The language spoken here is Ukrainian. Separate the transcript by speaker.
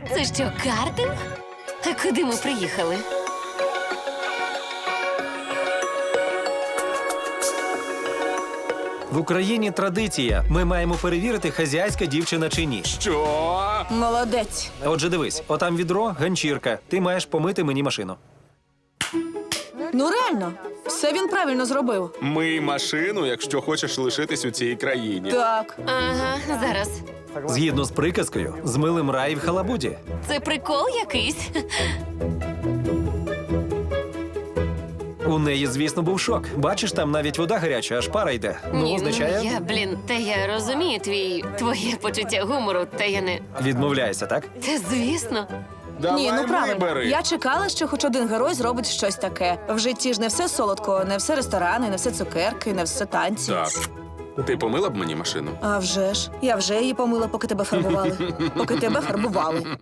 Speaker 1: Це що, картинг? А куди ми приїхали?
Speaker 2: В Україні традиція. Ми маємо перевірити, хазяйська дівчина чи ні.
Speaker 3: Що?
Speaker 4: Молодець.
Speaker 2: Отже, дивись, отам відро, ганчірка. Ти маєш помити мені машину.
Speaker 4: Ну реально, все він правильно зробив.
Speaker 3: Мий машину, якщо хочеш лишитись у цій країні.
Speaker 4: Так.
Speaker 1: Ага, зараз.
Speaker 2: Згідно з приказкою, з милим рай в халабуді.
Speaker 1: Це прикол якийсь?
Speaker 2: У неї, звісно, був шок. Бачиш, там навіть вода гаряча, аж пара йде. Ну, означає,
Speaker 1: я розумію твоє почуття гумору, та я не...
Speaker 2: відмовляйся, так?
Speaker 1: Та звісно.
Speaker 3: Давай
Speaker 4: Ні, ну правильно.
Speaker 3: вибери.
Speaker 4: Я чекала, що хоч один герой зробить щось таке. В житті ж не все солодко, не все ресторани, не все цукерки, не все танці.
Speaker 3: Так. Ти помила б мені машину?
Speaker 4: А вже ж. Я вже її помила, поки тебе фарбували. Поки тебе фарбували.